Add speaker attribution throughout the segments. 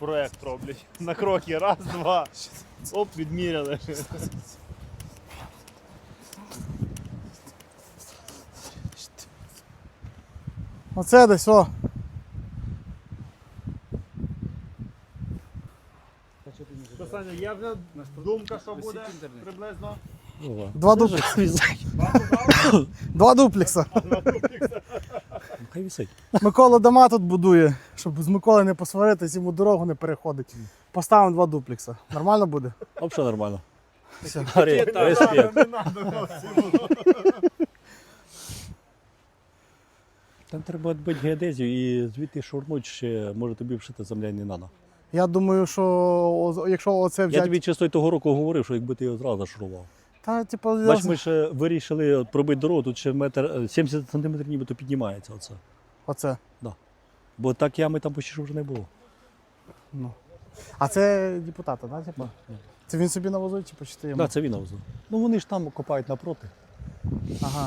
Speaker 1: проект роблять. На кроки. Раз, два. Оп, відміряли.
Speaker 2: Оце десь, о.
Speaker 1: Що, Саня, є вже думка, що буде приблизно?
Speaker 2: Два дуплекса. Два дуплекса.
Speaker 3: Хай висить.
Speaker 2: Микола дома тут будує, щоб з Миколи не посваритись, йому дорогу не переходить. Поставимо два дуплекса. Нормально буде?
Speaker 3: Взагалі нормально.
Speaker 2: Все.
Speaker 3: Респект.
Speaker 1: Не надо.
Speaker 3: Там треба відбити геодезію і звідти шурнуть ще, може тобі вшити земля не треба.
Speaker 2: Я думаю, що якщо оце
Speaker 3: Я
Speaker 2: взяти...
Speaker 3: тобі чисто того року говорив, що якби ти його зразу зашурував.
Speaker 2: Та, типу,
Speaker 3: Бач, ми ще вирішили от пробити дорогу, тут ще метр 70 см нібито піднімається оце.
Speaker 2: Оце.
Speaker 3: Бо так ями там почти що вже не було.
Speaker 2: Ну. А це депутата, да, типу? Це він собі навозив, типу, чи ти йому?
Speaker 3: Так, це він навозив. Ну вони ж там копають напроти.
Speaker 2: Ага.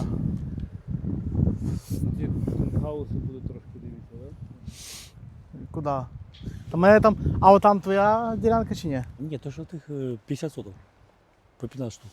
Speaker 1: Ті хауси будуть трошки дивіться, так?
Speaker 2: Куди? Та мене там... А отам твоя ділянка чи ні?
Speaker 3: Ні, то що тих 50 соток. По 15 штук.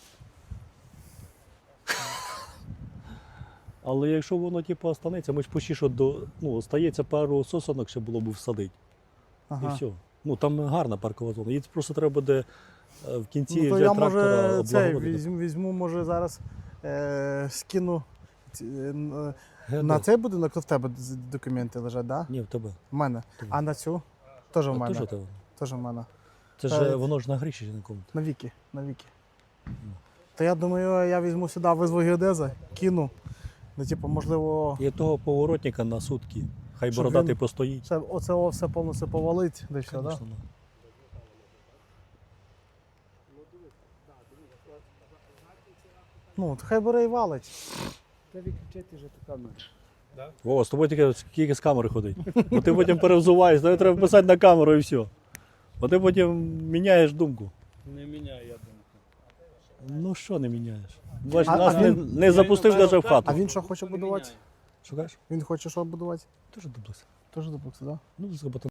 Speaker 3: Але якщо воно типу останеться, ми ж почти що остається пару сосонок, ще було б всадити.
Speaker 2: Ага.
Speaker 3: І все. Ну там гарна паркова зона. Її просто треба буде в кінці
Speaker 2: Ну, то
Speaker 3: вже
Speaker 2: я
Speaker 3: трактора
Speaker 2: може цей,
Speaker 3: облагородити.
Speaker 2: візьму, може зараз скину
Speaker 3: Ге,
Speaker 2: на
Speaker 3: да.
Speaker 2: цей будинок, то в тебе документи лежать, да?
Speaker 3: Ні, в тебе.
Speaker 2: В мене.
Speaker 3: Тебе.
Speaker 2: А на цю? Теж в
Speaker 3: А
Speaker 2: мене.
Speaker 3: теж в тебе.
Speaker 2: Теж в мене.
Speaker 3: Це
Speaker 2: Та-
Speaker 3: ж воно ж на гріші на кому.
Speaker 2: На віки, на віки. То я думаю, я візьму сюди, визву геодеза, кину. Ну, типу, можливо,
Speaker 3: І того поворотника на сутки. Хай
Speaker 2: Щоб
Speaker 3: бородатий
Speaker 2: він-
Speaker 3: постоїть.
Speaker 2: оце все повністю повалить, де все, так? Да?
Speaker 3: Конечно, да.
Speaker 2: Ну, то хай бере і валить.
Speaker 1: Та відключити вже ту камеру.
Speaker 3: Вова, з тобою тільки скільки з камери ходить. Бо ти потім перевзуваєш, тобі треба писати на камеру і все. Бо ти потім міняєш думку.
Speaker 1: Не міняю, я думаю.
Speaker 3: Ну що не міняєш? Бач,
Speaker 2: А-
Speaker 3: нас
Speaker 2: а
Speaker 3: не,
Speaker 2: він-
Speaker 3: не запустив навіть в хату.
Speaker 2: А він що хоче будувати?
Speaker 3: Що кажеш?
Speaker 2: Він хоче що будувати?
Speaker 3: Дуже дублес.
Speaker 2: Теж дуплекс, так? Да?
Speaker 3: Ну,